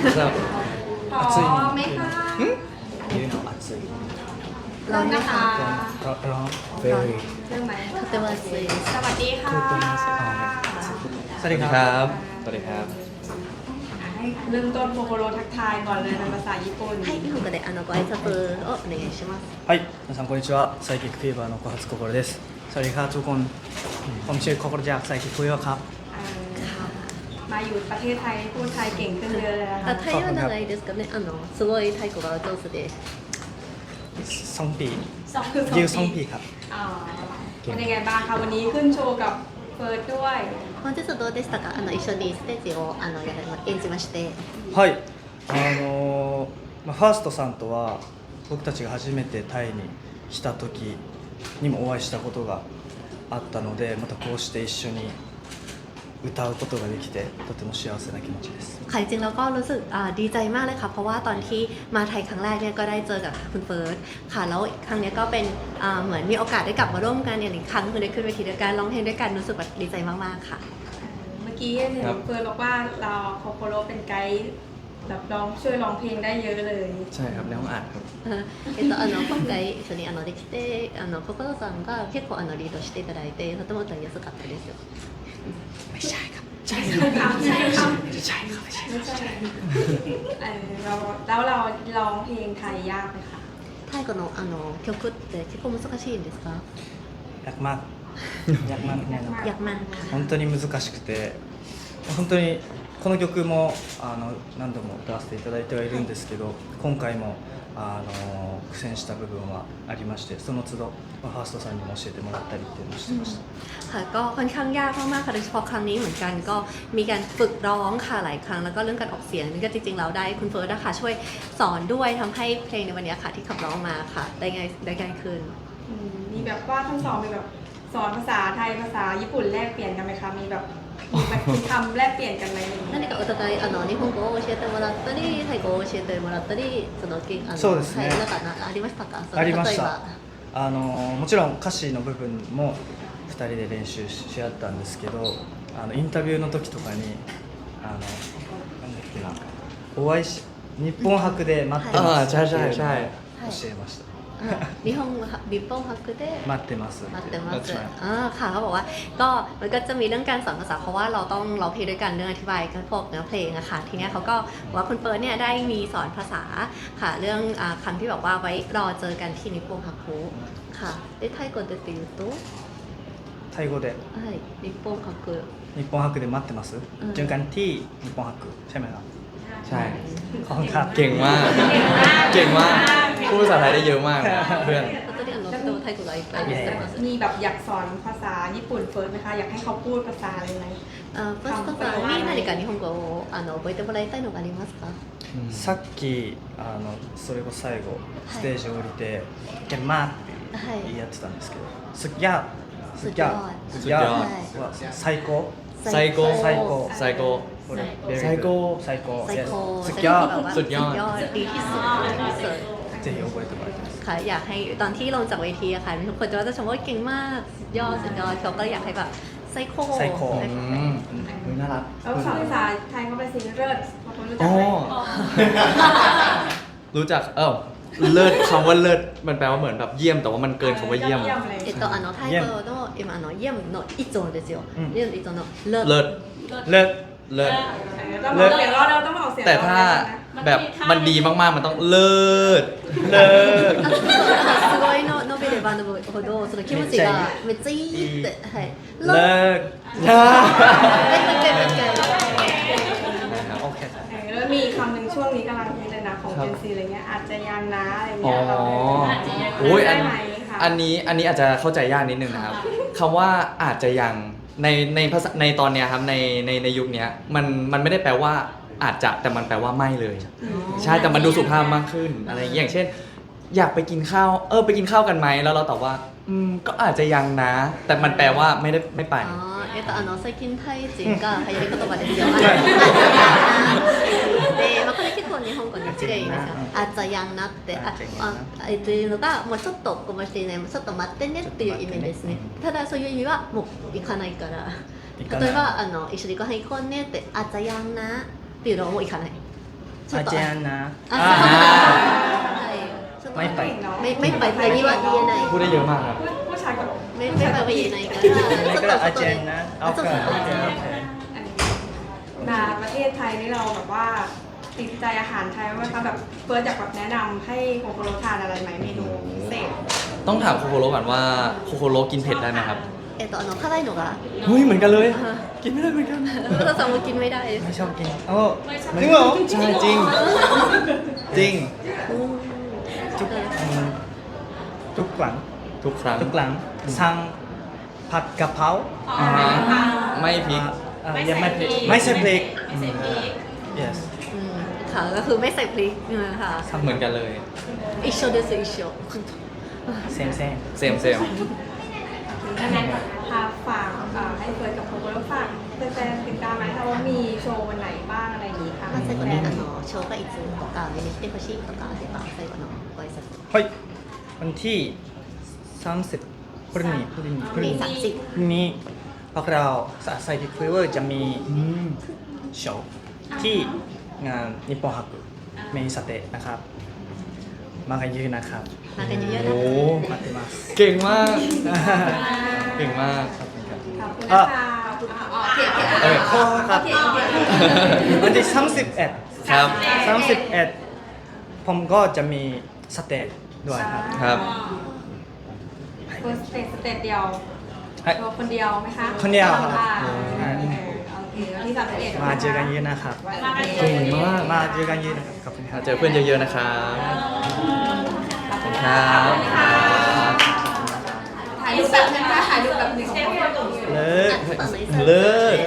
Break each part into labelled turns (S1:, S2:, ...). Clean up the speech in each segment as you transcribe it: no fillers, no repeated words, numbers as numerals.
S1: ครับ
S2: พร้อมไหมคะ
S1: 言うの熱い
S2: เริ่มนะคะ
S1: ร้อน very
S2: เริ่มไหม
S3: とても暑いです。
S2: สวัสดีค่ะ
S1: สวัสดีครับสวัสดีครับ
S2: ให้เริ่มต้นโคโคโรทักทายก่อนเลยเป็นภาษาญี่ปุ่น
S3: はい、日本語でご挨拶をお願いします。
S1: はい皆さんこんにちはサイキックフィーバーの小発心ですสวัสดีครับทุกคนผมชื่อโคโคโรจากไซคิคุยะครับ
S2: มาอยู่ประเทศไทยพูดไทยเก่งขึ้นเยอะเลยนะคะ
S3: タイは長いですかね。すごいタイ語が上手です。
S1: ซองปี
S2: คือ
S1: ยิวซองปีครับ
S2: อ๋อเป็นยังไงบ้างคะวันนี้ขึ้นโชว์กับเฟิร์สด้วย
S3: 本日どうでしたか。一緒にステージを演じまして。
S1: はいファーストさんとは僕たちが初めてタイに来た時にもお会いしたことがあったのでまたこうして一緒に歌うことができてとても幸せな気持ちです。
S3: ค่ะจริงๆแล้วก็รู้สึกดีใจมากเลยค่ะเพราะว่าตอนที่มาไทยครั้งแรกเนี่ยก็ได้เจอกับคุณเฟิร์สค่ะแล้วครั้งนี้ก็เป็นเหมือนมีโอกาสได้กลับมาร่วมกันอีกครั้งคือได้ขึ้นเวทีด้วยกันร้องเพลงด้วยกันรู้สึกแบบดีใจมากๆค่ะ
S2: เมื่อกี้เห็นเฟิร์สบอกว่าเราโคโคโรเป็นไกด์แบบช่วยร้องเพลงได้เยอะเลย
S1: ใช่ครับในห้องอัดครับ
S3: 今回一緒にできて心さんが結構リードしていただいてとても歌いやすかったです。
S1: ไม่ใช่ครับใช่
S2: ครับใช่ครับ
S1: ใช่ครับ
S2: ไม่ใช่แล้วเราร้องเพลงไทยยากไหมคะ
S3: タイ語の曲って結構難しいんですか？
S1: ยากมากยากมากね
S3: ยากมากค่ะ
S1: 本当に難しくて本当にこの曲も何度も歌わせていただいてはいるんですけど今回も苦戦した部分はありましてその都度ファーストさんにも教えてもらったりっていうのをしてました。
S3: ค่ะก็ค่อนข้างยากมากๆค่ะโดยเฉพาะครั้งนี้เหมือนกันก็มีการฝึกร้องค่ะหลายครั้งแล้วก็เรื่องการออกเสียงนี่ก็จริงๆเราได้คุณเฟิร์สนะคะช่วยสอนด้วยทำให้เพลงในวันนี้ค่ะที่ขับร้องมาค่ะได้ง่ายขึ้น
S2: มีแบบว่าทั้งสองมีแบบสอนภาษาไทยภาษาญี่ปุ่นแลกเปลี่ยนกันไหมคะมีแบบมีคำแลกเปลี่ยนกันไหม
S3: 何かお互い日本語を教えてもらったりタイ語を教えてもらったり
S1: そうですね
S3: はいなんかありましたか？
S1: ありました
S3: 例えば
S1: もちろん歌詞の部分も2人で練習し合ったんですけどインタビューの時とかになんだっけなお会いし日本博で待ってますっていうのを教えました
S3: 日本博で
S1: 待ってます
S3: 待ってますค่ะเขาบอกว่าก็มันก็จะมีเรื่องการสอนภาษาเพราะว่าเราต้องร้องเพลงด้วยกันเรื่องอธิบายกันพวกเนื้อเพลงอะค่ะทีนี้เขาก็ว่าคุณเฟิร์สเนี่ยได้มีสอนภาษาค่ะเรื่องคำที่บอกว่าไว้รอเจอกันที่นิปปงฮักคุค่ะได้ไทย語でっていうと
S1: タイ語で
S3: はいนิปปงฮักคุ
S1: 日本博で待ってますเจอกันที่日本博ใช่ไหมครับ
S4: ใช่
S1: ขอบคุณครับ
S4: เก่งมากเก่งมากพูดภาษาไทยได้เยอะมากนะเพื่อน
S3: 本当にとてもタイ語がいっぱいです
S2: มีแบบอยากสอนภาษาญี่ปุ่นเฟิร์สไหมคะอยากให้เขาพูดภาษาอะไรไหม
S3: ファーストさんに何か日本語を覚えてもらいたいのがありますか？
S1: さっきそれこそ最後ステージ降りて「ゲンマー」ってやってたんですけど「すっぎゃー」「すっぎゃー」「すっぎゃー」は最高
S4: 最高
S1: 最高
S4: 最高
S1: これ
S4: 最高
S1: 最高
S3: 最高
S1: すっぎゃー
S4: สุดยอด
S3: ดีที่สุด
S1: ぜひ覚えてもらいたいです
S3: ค่ะอยากให้ตอนที่ลงจากเวทีอะค่ะทุกคนจะชมว่าเก่งมากสุดยอดเขาก็อยากให้แบบไซโค
S1: ไซโค
S4: น่ารัก
S2: แล้วสอนภาษาไทยเขาไปสิเลิศบางคนรู้จั
S4: อ๋
S2: ก
S4: อ
S2: ไหม
S4: รู้จักเลิศคำว่าเลิศมันแปลว่าเหมือนแบบเยี่ยมแต่ว่ามันเกินคำว่าเยี่ยม
S2: เลย
S3: タイ語の今เยี่ยมの一音ですよเยี่ยม一音のเลิศ
S4: เลิศ
S1: เลิศ
S4: เลิศ
S2: ต้องออกเสียงเราต้องออกเสียง
S4: แต่ถ้าแบบมันดีมากๆมันต้องเลิศ
S1: เลิศ
S3: すごいの伸びれば伸びるほどその気持ちがめっちゃいいってはい
S1: เลิศ โอเค
S2: แล้วมีคำหนึ่งช่วงนี้กำลังฮิตเลยนะของเจนซีอะไรเงี้ยอาจจะยังนะอะไร
S4: อ๋อ
S2: เงี้ยเรา
S4: โอ้ย
S2: ได้ไหมคะ
S4: อันนี้อาจจะเข้าใจยากนิดนึงนะครับคำว่าอาจจะยังในภาษาในตอนเนี้ยครับในยุคเนี้ยมันไม่ได้แปลว่าอาจจะแต่มันแปลว่าไม่เลย ใช่แต่มันดูสุภาพมากขึ้นอะไรอย่างเช่น อยากไปกินข้าวไปกินข้าวกันไหมแล้วเราตอบว่าก็อาจจะยังนะ แต่มันแปลว่าไม่ไป
S3: 最近タイ人が流行り言葉ですよ。で、これ結構日本語に違いますよ。あっちゃやんなってっていうのがもうちょっとこぼしていないちょっと待ってねっていう意味ですね。ただそういう意味はもう行かないから。例えば一緒にご飯行こうねってあっちゃやんなっていうのはもう行かない。
S1: อาจารย์นะ
S3: อ่า
S1: ไม่ไป
S3: ไม่ไปแต่นี่ว่าดีไหน
S4: พูดได้เยอะมากครับ
S2: ผู้ชายกับ
S3: ไม่ไปไปยังไงกัน
S1: นี่ก็อาจารย์นะโอเคโอเคโอเค
S2: มาประเทศไทยนี่เราแบบว่าติดใจอาหารไทยไหมคะแบบเฟิร์สอยากแบบแนะนำให้โคโคโรทานอะไรไหมเมนูพิเศษ
S4: ต้องถามโคโคโรก่อนว่าโคโคโรกินเผ็ดได้ไหมครับ
S3: 辛いのが
S4: เฮ้ยเหมือนกันเลย กินไม่ได้เหมือนกัน
S3: เราสามารถกินไม่ได้
S1: ไม่ชอบกินโอ้จริงเหรอ
S4: ใช่จริง จริง
S1: ทุกครั้ง
S4: ทุกครั้ง
S1: ทุกครั้งสั่งผัดกะเพรา
S4: อ่าฮะไม่พริก
S1: ยังไม่ใช่พริก yes
S3: ค่ะก็คือไม่ใส่พริกนะคะ
S4: เหมือนกันเลย
S3: อิโชเดสอิโช
S1: same
S4: เซมเซม
S2: งั้นพาฝากให้เฟิร์สกับโคโคโรฝากแฟนๆติดตามไหมคะว่ามีโชว์วันไหนบ้างอะไรอย่างนี้ค่ะ
S3: まあ最後に紹介いつとか見に来てほしいとかあれば最後のご挨拶
S1: はいวันที่30พรุ่งนี้
S3: พรุ่งนี้30
S1: พรุ่งนี้พวกเราไซคิคลิเวอร์จะมีโชว์ที่งานนิปปอนฮักเมนิสเตะนะครับมากันเยอะนะครับ
S3: มากันเยอะๆนะ
S4: โอ้
S1: 待ってます
S4: เก่งมาก เก่งมาก
S2: ขอบคุณนะคะขอบคุณค่ะโอเค
S4: เออ
S1: ขอครับวันที่31
S4: ครับ
S1: 31ผมก็จะมีสเตจด้วยครับ
S4: ครับ
S2: เฟิร์สสเตจเดียว
S1: はい
S2: ตัวคนเดียวไหมคะ
S1: คนเดียวครับ
S2: ค่ะ
S1: อืม
S2: โอเควันที่31
S1: มาเจอกันเยอะนะครับ
S4: เก่งมาก
S1: มาเจอกันเยอะนะครับขอบคุณครับ
S4: เจอเพื่อนเยอะๆนะครับ
S2: ขอบคุณ
S4: ครั
S2: ค่ะ
S4: บ
S2: ถ่ายรูปแบบนึงค่ะถ่ายรูปแบบหนึ่งของคน
S1: เลิก
S4: เลิศ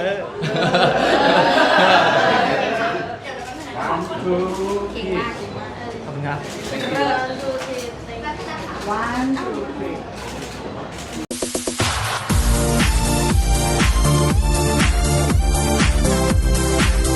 S2: เก่งมาก
S1: ขอบคุณครับ
S2: 1 2 3